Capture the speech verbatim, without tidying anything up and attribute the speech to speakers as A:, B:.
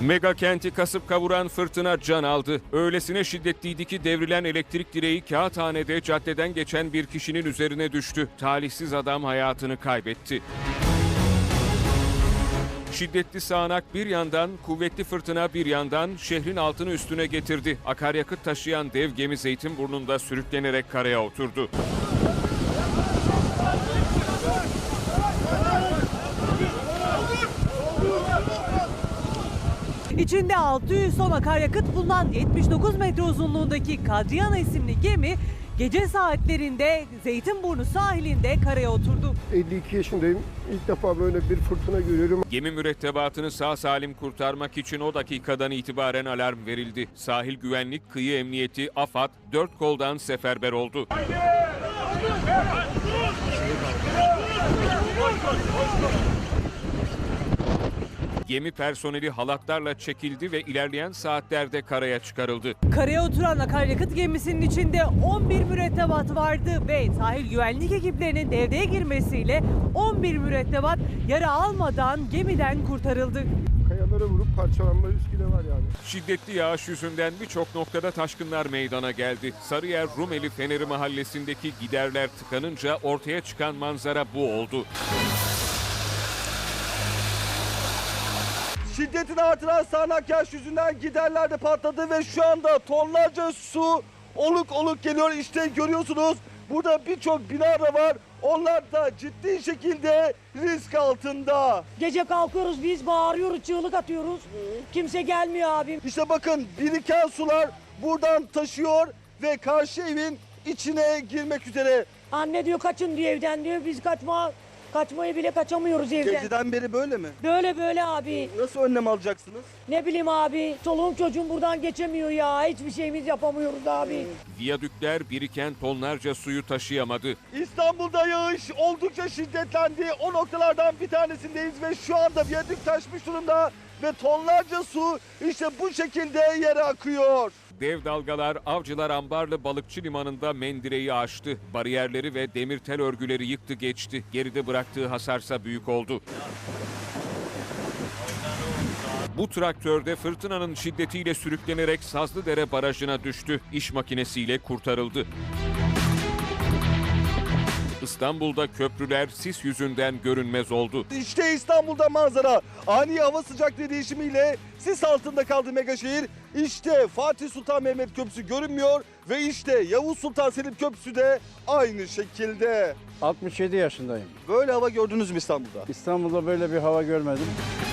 A: Mega kenti kasıp kavuran fırtına can aldı. Öylesine şiddetliydi ki devrilen elektrik direği Kağıthane'de caddeden geçen bir kişinin üzerine düştü. Talihsiz adam hayatını kaybetti. Şiddetli sağanak bir yandan, kuvvetli fırtına bir yandan şehrin altını üstüne getirdi. Akaryakıt taşıyan dev gemi Zeytinburnu'nda sürüklenerek karaya oturdu.
B: İçinde altı yüz ton akaryakıt bulunan yetmiş dokuz metre uzunluğundaki Kadriyana isimli gemi gece saatlerinde Zeytinburnu sahilinde karaya oturdu.
C: elli iki yaşındayım. İlk defa böyle bir fırtına görüyorum.
A: Gemi mürettebatını sağ salim kurtarmak için o dakikadan itibaren alarm verildi. Sahil Güvenlik, Kıyı Emniyeti, AFAD dört koldan seferber oldu. Gemi personeli halatlarla çekildi ve ilerleyen saatlerde karaya çıkarıldı.
B: Karaya oturan akaryakıt gemisinin içinde on bir mürettebat vardı ve sahil güvenlik ekiplerinin devreye girmesiyle on bir mürettebat yara almadan gemiden kurtarıldı.
C: Kayalara vurup parçalanma riski de var yani.
A: Şiddetli yağış yüzünden birçok noktada taşkınlar meydana geldi. Sarıyer Rumeli Feneri mahallesindeki giderler tıkanınca ortaya çıkan manzara bu oldu.
D: Şiddetini artıran sağanak yağış yüzünden giderler de patladı ve şu anda tonlarca su oluk oluk geliyor. İşte görüyorsunuz burada birçok bina da var. Onlar da ciddi şekilde risk altında.
E: Gece kalkıyoruz biz bağırıyoruz, çığlık atıyoruz. Kimse gelmiyor abim.
D: İşte bakın biriken sular buradan taşıyor ve karşı evin içine girmek üzere.
E: Anne diyor kaçın diyor evden diyor. Biz kaçma kaçmayı bile kaçamıyoruz evden.
D: Geceden beri böyle mi?
E: Böyle böyle abi.
D: Nasıl önlem alacaksınız?
E: Ne bileyim abi. Çoluğum çocuğum buradan geçemiyor ya. Hiçbir şeyimiz yapamıyoruz abi.
A: Viyadükler biriken tonlarca suyu taşıyamadı.
D: İstanbul'da yağış oldukça şiddetlendi. O noktalardan bir tanesindeyiz ve şu anda viyadük taşmış durumda ve tonlarca su işte bu şekilde yere akıyor.
A: Dev dalgalar Avcılar Ambarlı Balıkçı Limanı'nda mendireyi aştı. Bariyerleri ve demir tel örgüleri yıktı geçti. Geride bıraktığı hasarsa büyük oldu. Bu traktörde fırtınanın şiddetiyle sürüklenerek Sazlıdere Barajı'na düştü. İş makinesiyle kurtarıldı. İstanbul'da köprüler sis yüzünden görünmez oldu.
D: İşte İstanbul'da manzara. Ani hava sıcaklığı değişimiyle sis altında kaldı megaşehir. İşte Fatih Sultan Mehmet Köprüsü görünmüyor ve işte Yavuz Sultan Selim Köprüsü de aynı şekilde.
F: altmış yedi yaşındayım.
D: Böyle hava gördünüz mü İstanbul'da?
F: İstanbul'da böyle bir hava görmedim.